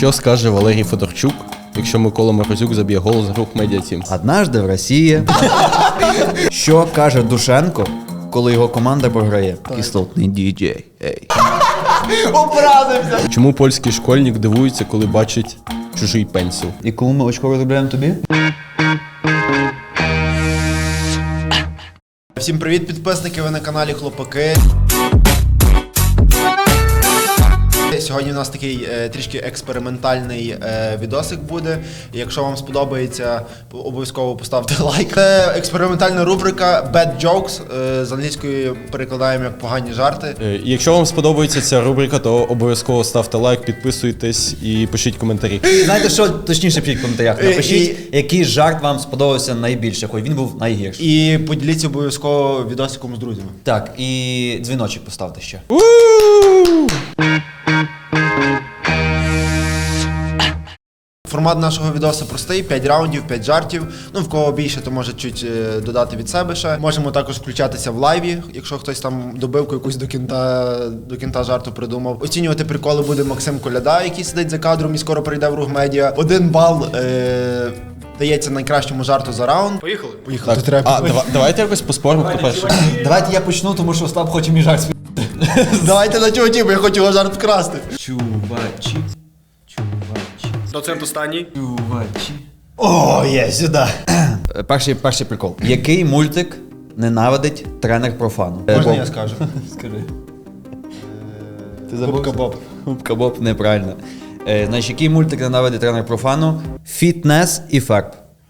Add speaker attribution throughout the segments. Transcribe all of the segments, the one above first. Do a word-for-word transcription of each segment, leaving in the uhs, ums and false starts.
Speaker 1: Що скаже Валерій Федорчук, якщо Микола Морозюк заб'є гол з рук медіатім?
Speaker 2: Однажды в Росії. Що каже Душенко, коли його команда програє? Кислотний діджей. Ей.
Speaker 3: Образився!
Speaker 1: Чому польський школьник дивується, коли бачить чужий пенсіл?
Speaker 2: І коли ми очко розробляємо тобі?
Speaker 3: Всім привіт, підписники, ви на каналі Хлопаки. Сьогодні у нас такий е, трішки експериментальний е, відосик буде. Якщо вам сподобається, обов'язково поставте лайк. Це експериментальна рубрика Bad Jokes, е, з англійської перекладаємо як погані жарти.
Speaker 1: Е, і Якщо вам сподобається ця рубрика, то обов'язково ставте лайк, підписуйтесь і пишіть коментарі.
Speaker 2: Знаєте що, точніше пишіть в коментарях.
Speaker 3: І-
Speaker 2: Напишіть, який жарт вам сподобався найбільше, хоч він був найгірший.
Speaker 3: І поділіться обов'язково відосиком з друзями.
Speaker 2: Так, і дзвіночок поставте ще.
Speaker 3: Формат нашого відосу простий, п'ять раундів, п'ять жартів. Ну, в кого більше, то може чуть е, додати від себе ще. Можемо також включатися в лайві, якщо хтось там добивку якусь до кінта, до кінта жарту придумав. Оцінювати приколи буде Максим Коляда, який сидить за кадром і скоро прийде в Рух Медіа. Один бал е, дається найкращому жарту за раунд.
Speaker 4: Поїхали?
Speaker 3: Поїхали.
Speaker 1: Так, а, дава- давайте якось поспоримо, хто перший.
Speaker 2: Давайте я почну, тому що Остап хоче мій жарт спів.
Speaker 3: Давайте на чуваті, бо я хочу його жарт вкрасти.
Speaker 2: Чувачі, чувачі,
Speaker 4: Доцент останній.
Speaker 2: чувачі. О, є, сюди. Перший, перший прикол. Який мультик ненавидить тренер профану?
Speaker 3: Можна
Speaker 2: Боб.
Speaker 3: я скажу?
Speaker 2: Скажи. Ти
Speaker 3: Губка Боб.
Speaker 2: Губка Боб, неправильно. Е, значить, який мультик ненавидить тренер профану? Фітнес і ферб.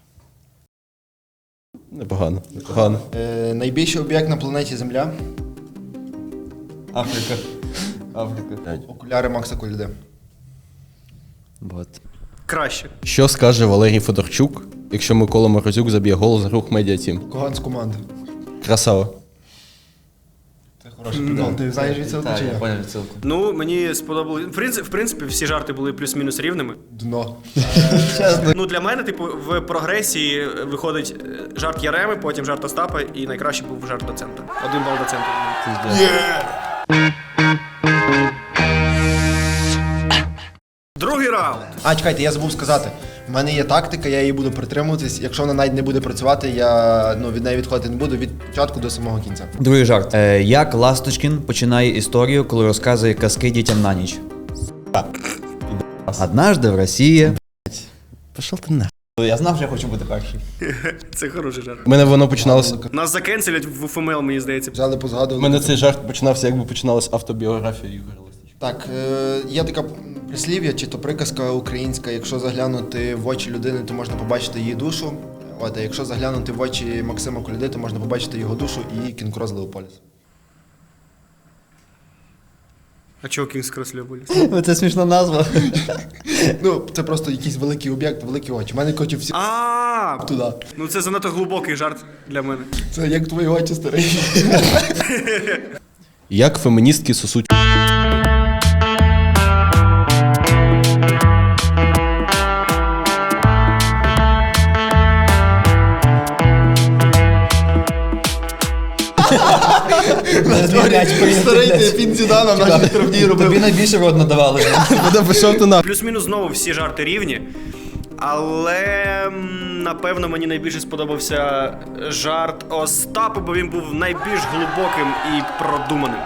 Speaker 1: Непогано, непогано.
Speaker 3: Е, найбільший об'єкт на планеті Земля.
Speaker 2: Африка. Африка.
Speaker 3: Окуляри Макса Коляди.
Speaker 2: Вот.
Speaker 4: Краще.
Speaker 1: Що скаже Валерій Федорчук, якщо Микола Морозюк заб'є гол з рук медіатім?
Speaker 3: Коган з команди.
Speaker 1: Красава.
Speaker 3: Це хороший прикол. Ти знаєш відсилку
Speaker 2: Так,
Speaker 3: чи
Speaker 2: я
Speaker 3: ні?
Speaker 2: поняв відсилку.
Speaker 4: Ну, мені сподобалось. В принципі, в принципі, всі жарти були плюс-мінус рівними.
Speaker 3: Дно.
Speaker 4: Ну, для мене, типу, в прогресії виходить е, жарт Яреми, потім жарт Остапа, і найкраще був жарт доцента. Один бал доцента. Другий раунд.
Speaker 3: А, чекайте, я забув сказати. В мене є тактика, я її буду притримуватись. Якщо вона навіть не буде працювати, я ну, від неї відходити не буду від початку до самого кінця.
Speaker 2: Другий жарт. Е, як Ласточкін починає історію, коли розказує казки дітям на ніч? Однажды в Росії.
Speaker 1: Пішов ти на.
Speaker 2: Я знав, що я хочу бути перший.
Speaker 4: Це хороший жарт.
Speaker 1: У мене воно починалося.
Speaker 4: Нас закенселять в ФМЛ, мені здається.
Speaker 3: Взяли,
Speaker 1: У
Speaker 3: позгадували.
Speaker 1: мене цей жарт починався, якби починалась автобіографія Ігоря Ласточка.
Speaker 3: Так, е, є така прислів'я чи то приказка українська, якщо заглянути в очі людини, то можна побачити її душу. От, а якщо заглянути в очі Максима Коляди, то можна побачити його душу і Кінг-Крос Леополіс.
Speaker 4: А чого Кінгс Крос Леополіс?
Speaker 2: Це смішна назва.
Speaker 3: Ну, це просто якийсь великий об'єкт, великі очі. У мене хочуть всі
Speaker 4: А,
Speaker 3: туди.
Speaker 4: ну це занадто глибокий жарт для мене.
Speaker 3: Це як твої очі, старий.
Speaker 1: Як феміністки сосуть.
Speaker 3: Старий ти пін Зідана в нашій травні робив.
Speaker 2: Тобі найбільше рот надавали.
Speaker 1: Пішов ти на.
Speaker 4: Плюс-мінус знову всі жарти рівні. Але м, напевно мені найбільше сподобався жарт Остапа, бо він був найбільш глибоким і продуманим.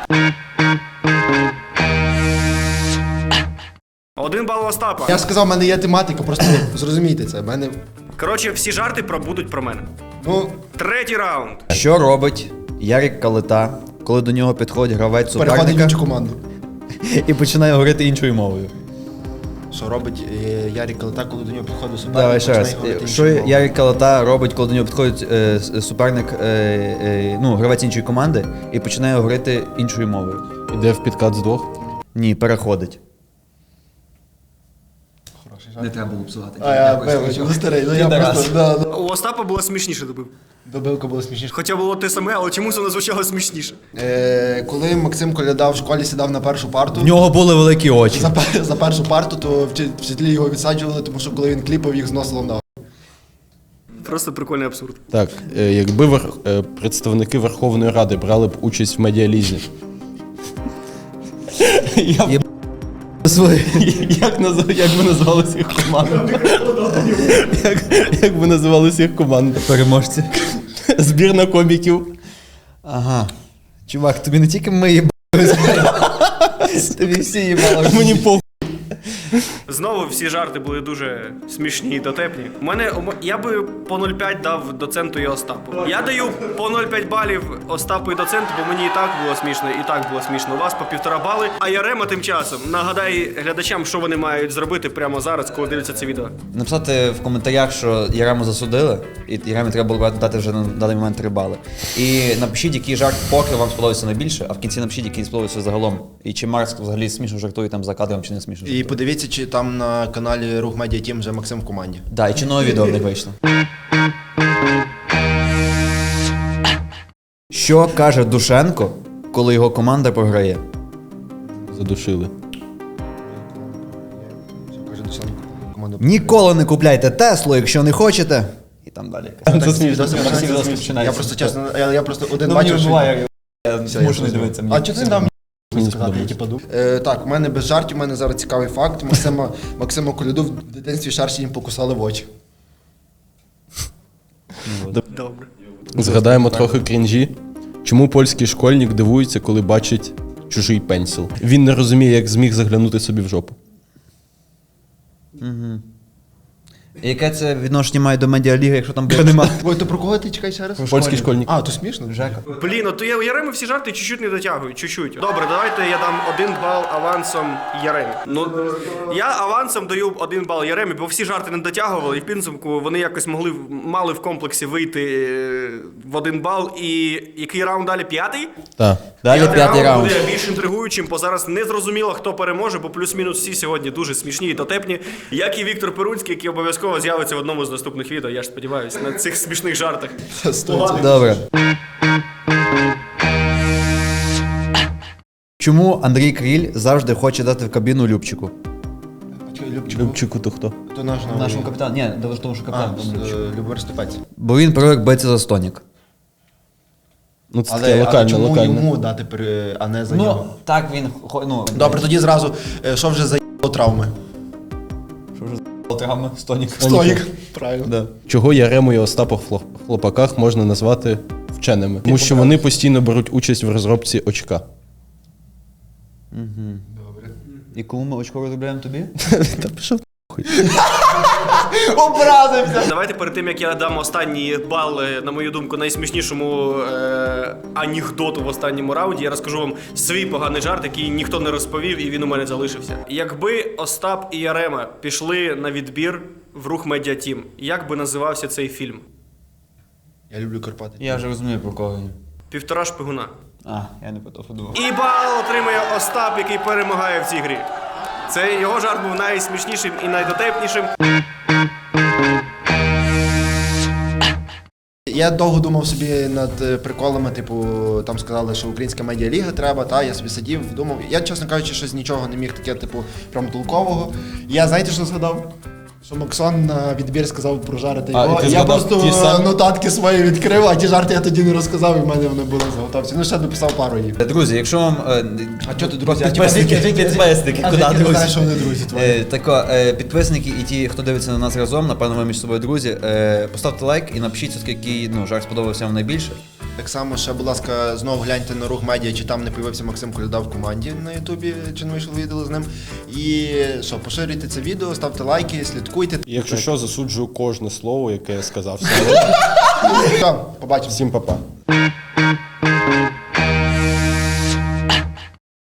Speaker 4: Один бал Остапа.
Speaker 3: Я ж сказав, в мене є тематика, просто зрозумійте це. В мене,
Speaker 4: Коротше, всі жарти про будуть про мене.
Speaker 3: ну,
Speaker 4: Третій раунд.
Speaker 2: Що робить Ярик Калита, коли до нього підходить гравець
Speaker 3: переходить в
Speaker 2: суперника
Speaker 3: іншу команду.
Speaker 2: і починає говорити іншою мовою?
Speaker 3: Що робить е, Ярик Калита, коли до нього підходить суперник?
Speaker 2: Давай ще раз.
Speaker 3: починає говорити
Speaker 2: Що
Speaker 3: іншою мовою?
Speaker 2: Ярик Калита робить, коли до нього підходить е, с- суперник, е, е, ну, гравець іншої команди і починає говорити іншою мовою?
Speaker 1: Іде в підкат з двох.
Speaker 2: Ні, переходить.
Speaker 3: Хороший жарт.
Speaker 2: Не треба було псувати.
Speaker 3: А, я вибач, ну старий, ну я
Speaker 2: Підарас.
Speaker 3: просто, да, да.
Speaker 4: У Остапа було смішніше добив.
Speaker 3: Добивка була смішніша.
Speaker 4: Хоча було те саме, але чомусь воно звучало смішніше.
Speaker 3: Е, коли Максим Коляда в школі сідав на першу парту,
Speaker 2: В нього були великі очі.
Speaker 3: за, пер- за першу парту, то вчи- вчителі його відсаджували, тому що коли він кліпав, їх зносило на.
Speaker 4: Просто прикольний абсурд.
Speaker 1: Так, е, якби вер- е, представники Верховної Ради брали б участь в медіалізі. Я б
Speaker 2: свої.
Speaker 1: Як, назв... як би називалася їх команда? як, як би називалася їх команда?
Speaker 2: Переможці.
Speaker 1: Збірна коміків.
Speaker 2: Ага. Чувак, тобі не тільки ми їбали. Тобі всі їбали.
Speaker 1: Мені похуй.
Speaker 4: Знову всі жарти були дуже смішні і дотепні. У мене у м- я би по нуль цілих п'ять дав доценту і Остапу. Я даю по нуль цілих п'ять балів Остапу і доценту, бо мені і так було смішно, і так було смішно. У вас по півтора бали. А Ярема тим часом нагадай глядачам, що вони мають зробити прямо зараз, коли дивляться це відео.
Speaker 2: Написати в коментарях, що Ярему засудили, і Яремі треба було дати вже на даний момент три бали. І напишіть, який жарт поки вам сподобався найбільше, а в кінці напишіть, який сподобався загалом. І чи Марс взагалі смішно жартує там за кадром, чи не смішно жартує.
Speaker 3: І подивіться, чи там на каналі Рух Медіа Тім вже Максим в команді.
Speaker 2: Да, і чи нове відео не вийшло. Що каже Душенко, коли його команда програє?
Speaker 1: Задушили.
Speaker 3: Що каже Душенко? Команда.
Speaker 2: Ніколи не купляйте Теслу, якщо не хочете. І там далі.
Speaker 1: Це
Speaker 3: Так,
Speaker 1: смішно.
Speaker 3: відоси
Speaker 2: Так, всі відоси
Speaker 3: починаються.
Speaker 2: починаються.
Speaker 3: Я просто чесно, я, я просто один
Speaker 2: Ну,
Speaker 3: бачив,
Speaker 2: мені
Speaker 3: що...
Speaker 2: буває, я
Speaker 3: Все,
Speaker 2: змушений
Speaker 3: зрозумів.
Speaker 2: дивитися.
Speaker 3: А чого ти не дав мені
Speaker 1: Мені
Speaker 3: сказати, я
Speaker 1: сподобалось.
Speaker 3: типу думав? Е, так, у мене без жартів, у мене зараз цікавий факт. Максима, Максима Коляду в дитинстві шарші їм покусали в очі.
Speaker 4: Добре.
Speaker 1: Згадаємо трохи крінжі. Чому польський школьник дивується, коли бачить чужий пенсіл? Він не розуміє, як зміг заглянути собі в жопу.
Speaker 2: Яке це відношення має до медіаліги, якщо там б немає?
Speaker 3: Ой, то про кого ти чекай ще раз?
Speaker 1: Польський школьник.
Speaker 3: А, то смішно?
Speaker 2: Жека.
Speaker 4: Блін, от я у Яреми всі жарти чуть-чуть не дотягують, чуть-чуть. Добре, давайте я дам один бал авансом Яремі. Ну, я авансом даю один бал Яремі, бо всі жарти не дотягували, і в підсумку вони якось могли, мали в комплексі вийти е, в один бал. І який раунд далі? П'ятий?
Speaker 1: Так.
Speaker 2: Далі п'ятий раунд.
Speaker 4: буде більш інтригуючим, бо зараз не зрозуміло, хто переможе, бо плюс-мінус всі сьогодні дуже смішні і дотепні. Як і Віктор Перунський, який обов'язково з'явиться в одному з наступних відео, я ж сподіваюся, на цих смішних жартах.
Speaker 2: Добре. Чому Андрій Кріль завжди хоче дати в кабіну Любчику?
Speaker 3: Любчику.
Speaker 1: Любчику то хто?
Speaker 3: То наш новий.
Speaker 2: Нашому капітану. Ні, до того, що
Speaker 3: А,
Speaker 2: капітан. там Любчик.
Speaker 3: е, Любомир Степець.
Speaker 2: Бо він привик битися за стонік.
Speaker 1: Ну це
Speaker 3: Але,
Speaker 1: таке
Speaker 3: але
Speaker 1: локальне,
Speaker 3: чому
Speaker 1: локальне.
Speaker 3: йому дати, при- а не за
Speaker 2: Ну,
Speaker 3: нього?
Speaker 2: так він, хо- ну...
Speaker 3: Добре, тоді зразу, е, що вже за травми?
Speaker 2: Що вже за травми? Стонік.
Speaker 3: Стоїк. Правильно.
Speaker 2: Да.
Speaker 1: Чого Ярему і Остапа в хлоп- хлопаках можна назвати вченими? Тому що вони постійно беруть участь в розробці очка.
Speaker 2: І кому ми очко розробляємо тобі?
Speaker 1: Та пішов.
Speaker 3: Образився!
Speaker 4: Давайте перед тим, як я дам останній бал, е, на мою думку, найсмішнішому е, анекдоту в останньому раунді, я розкажу вам свій поганий жарт, який ніхто не розповів, і він у мене залишився. Якби Остап і Ярема пішли на відбір в Рух Медіа Тім, як би називався цей фільм?
Speaker 3: Я люблю Карпати.
Speaker 2: Я вже розумію, про кого він.
Speaker 4: Півтора шпигуна.
Speaker 2: А, я не про то подумав.
Speaker 4: І бал отримує Остап, який перемагає в цій грі. Це його жарт був найсмішнішим і найдотепнішим.
Speaker 3: Я довго думав собі над е, приколами, типу, там сказали, що українська медіаліга треба, та я собі сидів, думав. Я, чесно кажучи, щось нічого не міг таке, типу, прям толкового. Я знаєте, що згадав? Що Максон на відбір сказав прожарити
Speaker 1: А,
Speaker 3: його.
Speaker 1: і ти
Speaker 3: Я
Speaker 1: згадав
Speaker 3: просто
Speaker 1: ті самі?
Speaker 3: нотатки свої відкрив, а ті жарти я тоді не розказав, і в мене вони були заготовці. Ну, ще дописав пару їх.
Speaker 2: Друзі, якщо вам... е,
Speaker 3: А чого ти, друзі? А
Speaker 2: Підписники,
Speaker 3: типа, звідки-
Speaker 2: підписники,
Speaker 3: а
Speaker 2: куди,
Speaker 3: звідки ти
Speaker 2: друзі?
Speaker 3: знаєш, що вони друзі твої?
Speaker 2: Е, тако, е, підписники і ті, хто дивиться на нас разом, напевно, ви між собою друзі, е, поставте лайк і напишіть, все-таки, який ну, жарт сподобався вам найбільше.
Speaker 3: Так само ще, будь ласка, знову гляньте на Рух Медіа, чи там не появився Максим Коляда в команді на Ютубі, чи не вийшло відео з ним. І що, поширюйте це відео, ставте лайки, слідкуйте.
Speaker 1: І якщо що, засуджую кожне слово, яке я сказав.
Speaker 3: Все, побачимо.
Speaker 1: Всім па-па.